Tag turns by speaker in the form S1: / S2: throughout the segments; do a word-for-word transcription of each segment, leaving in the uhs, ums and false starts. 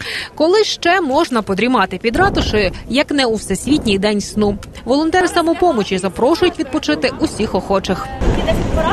S1: Коли ще можна подрімати під ратушею, як не у Всесвітній день сну? Волонтери самопомочі запрошують відпочити усіх охочих.
S2: десять порад,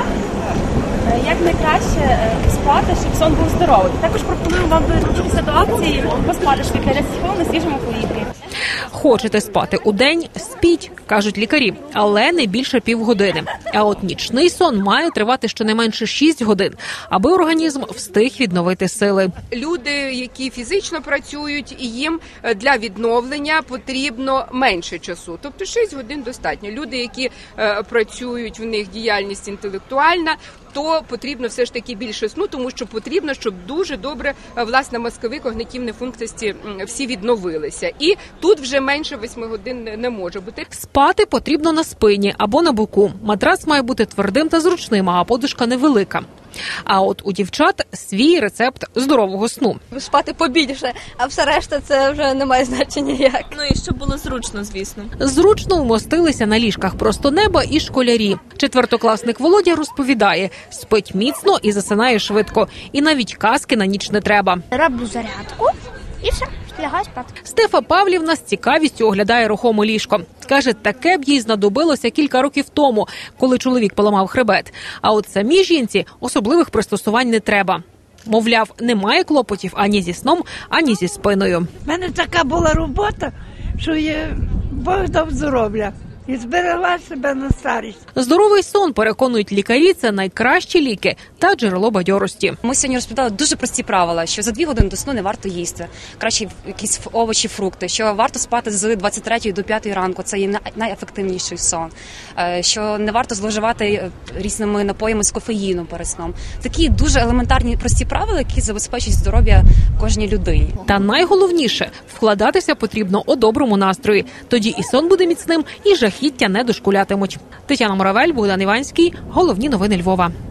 S2: як найкраще спати, щоб сон був здоровий. Також пропонуємо вам долучитися до акції «Поспати швидко десять хвилин на свіжому повітрі».
S1: Хочете спати удень – спіть, кажуть лікарі, але не більше півгодини. А от нічний сон має тривати щонайменше шість годин, аби організм встиг відновити сили.
S3: Люди, які фізично працюють, і їм для відновлення потрібно менше часу. Тобто шість годин достатньо. Люди, які е, працюють, в них діяльність інтелектуальна, то потрібно все ж таки більше сну, тому що потрібно, щоб дуже добре, власне, мозкові когнітивні функції всі відновилися. І тут вже менше восьми годин не може бути.
S1: Спати потрібно на спині або на боку. Матрац має бути твердим та зручним, а подушка невелика. А от у дівчат свій рецепт здорового сну.
S4: Спати побільше, а все решта це вже не має значення ніяк.
S2: Ну і щоб було зручно, звісно.
S1: Зручно вмостилися на ліжках просто неба і школярі. Четвертокласник Володя розповідає, спить міцно і засинає швидко. І навіть казки на ніч не треба.
S5: Роблю зарядку і все, лягаю спати.
S1: Стефа Павлівна з цікавістю оглядає рухоме ліжко. Каже, таке б їй знадобилося кілька років тому, коли чоловік поламав хребет. А от самій жінці особливих пристосувань не треба. Мовляв, немає клопотів ані зі сном, ані зі спиною.
S6: У мене така була робота, що є Бог дав здоров'я. І зберегла себе на старість.
S1: Здоровий сон, переконують лікарі, це найкращі ліки та джерело бадьорості.
S7: Ми сьогодні розповідали дуже прості правила, що за дві години до сну не варто їсти. Краще якісь овочі, фрукти, що варто спати з двадцять третьої до п'ятої ранку, це є найефективніший сон. Що не варто зловживати різними напоями з кофеїном перед сном. Такі дуже елементарні прості правила, які забезпечують здоров'я кожній людині.
S1: Та найголовніше – вкладатися потрібно у доброму настрої. Тоді і сон буде міцним, і жахіття не дошкулятимуть. Тетяна Моравель, Богдан Іванський. Головні новини Львова.